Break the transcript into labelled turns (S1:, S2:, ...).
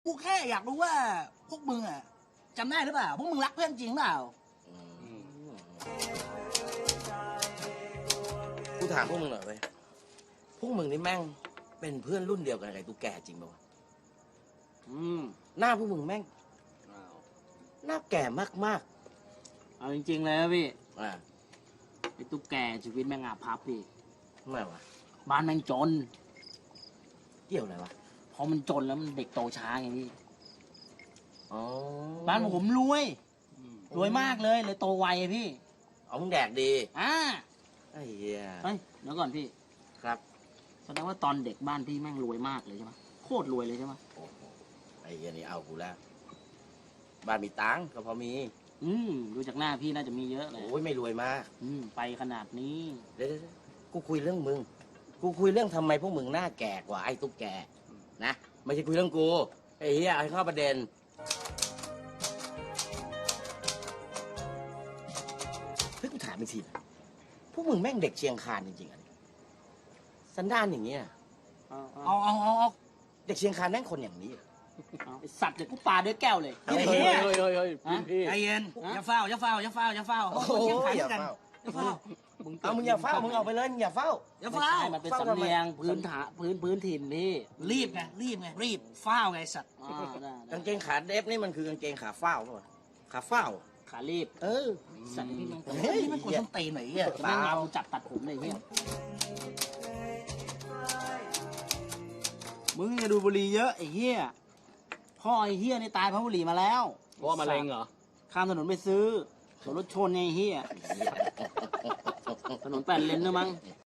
S1: กูแค่อยากรู้ว่าพวกมึงอะจำได้หรือเปล่าพวกมึงรักเพื่อนจริงเปล่า
S2: กูถามพวกมึงหน่อยเว้ยพวกมึงนี่แม่งเป็นเพื่อนรุ่นเดียวกันกับไอ้ตุ๊กแกจริงป่าวะหน้าพวกมึงแม่งหน้าแก่มาก
S3: เอาจริงๆเลยนะพี่
S2: ๆอ่า
S3: ไอ้ตุ๊กแกชีวิตแม่งอาภัพพี่
S2: ทำไมวะ
S3: บ้านแม่งจน
S2: เกี่ยวอะไรวะ
S3: พอมันจนแล้วมันเด็กโตช้าไงพี่
S2: อ๋อ
S3: บ้านผมรวยรวยมากเลยโตไวอะพี่
S2: เอามึงแดกดี
S3: อ่า
S2: ไอ้เหี้ย
S3: เฮ้ยเดี๋ยวก่อนพี่
S2: ครับ
S3: แสดงว่าตอนเด็กบ้านพี่แม่งรวยมากเลยใช่ไหมโคตรรวยเลยใช่ไหม
S2: โอ้โหไอ้เหี้ยนี่เอากูแล้วบ้านมีตังค์ก็พอมี
S3: ดูจากหน้าพี่น่าจะมีเยอะเลย
S2: โอ้ยไม่รวยมาก
S3: ไปขนาดนี้
S2: เดี๋ยวๆกูคุยเรื่องมึง กูคุยเรื่องทำไมพวกมึงหน้าแก่กว่าไอ้ตุ๊กแกนะไม่ใช่คุยเรื่องกูไอ้เหี้ยเอาให้เข้าประเด็นเฮ้ยกูถามอีกทีนะพวกมึงแม่งเด็กเชียงคานจริงๆอ่ะสันดานอย่างเงี้ย
S3: เอา
S1: เอา
S2: เด็กเชียงคานแม่งคนอย่างนี้เหรอ
S3: ไอสัตว์เดี๋ยวกูปาด้วยแก้วเลย
S1: เฮ้ย ใจเย็นอย่าเฝ้าอย่าเฝ้าอย่าเฝ้าอย่าเฝ้า
S2: โอ้โห
S1: เชียง
S2: อย่า
S1: กัน
S2: เฝ้า
S1: อย่าเฝ้า
S2: เอามึงอย่าเฝ้ามึงเอาไปเลยมึงอย่าเฝ้า
S1: อย่า
S3: ไม่
S1: เฝ้า
S3: ใช่มันเป็นสำเนียงพื้นถิ่นพี่
S1: รีบไงรีบเฝ้าไงสัตว์
S3: ได้
S2: กางเกงขาเดฟนี่มันคือกางเกงขาเฝ้าป่ะขาเฝ้า
S3: ขารีบ
S2: เออ
S3: สัตว์พี่แม่ง
S1: เฮ้ยนี่มันคนส้นตีนไหนอ่ะ
S3: แม่งเอาจับตัดผมเลยพี่มึงจะดูบุหรี่เยอะไอ้เหี้ยพ่อไอ้เหี้ยนี่ตายเพราะบุหรี่มาแล้ว
S4: เพราะว่ามะเร็งเหรอ
S3: ข้ามถนนไปซื้อโดนรถชนไงไอ้เหี้ยถนน8 เลนด้วยมั้ง